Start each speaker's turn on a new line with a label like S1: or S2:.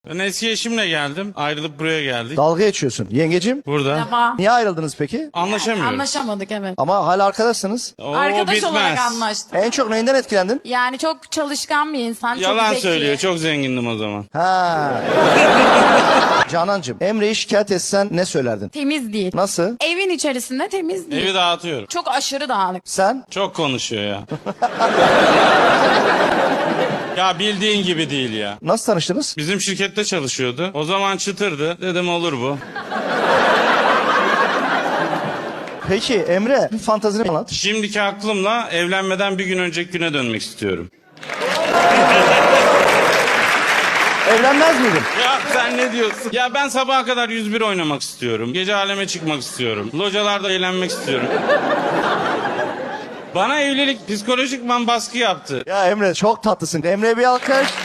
S1: Ben eski eşimle geldim. Ayrılıp buraya geldik.
S2: Dalga geçiyorsun. Yengecim,
S1: Burada.
S3: Defa.
S2: niye ayrıldınız peki?
S1: Anlaşamıyoruz.
S3: Anlaşamadık evet.
S2: Ama hala arkadaşsınız.
S1: O
S3: Arkadaş
S1: bitmez.
S3: olarak anlaştık.
S2: En çok neyinden etkilendin?
S3: Yani çok çalışkan bir insan.
S1: Yalan
S3: çok zeki.
S1: söylüyor. Çok zengindim o zaman.
S2: Ha. Canancığım, Emre'yi şikayet etsen ne söylerdin?
S3: Temiz değil.
S2: Nasıl?
S3: Evin içerisinde temiz değil.
S1: Evi dağıtıyorum.
S3: Çok aşırı dağınık.
S2: Sen?
S1: Çok konuşuyor ya. Ya bildiğin gibi değil ya.
S2: Nasıl tanıştınız?
S1: Bizim şirkette çalışıyordu. O zaman çıtırdı. Dedim olur bu.
S2: Peki Emre, bir fantazini anlat.
S1: Şimdiki aklımla evlenmeden bir gün önceki güne dönmek istiyorum.
S2: Evlenmez miydin?
S1: Ya sen ne diyorsun? Ya ben sabaha kadar 101 oynamak istiyorum. Gece aleme çıkmak istiyorum. Localarda eğlenmek istiyorum. Bana evlilik psikolojikman baskı yaptı.
S2: Ya Emre çok tatlısın. Emre'ye bir alkış.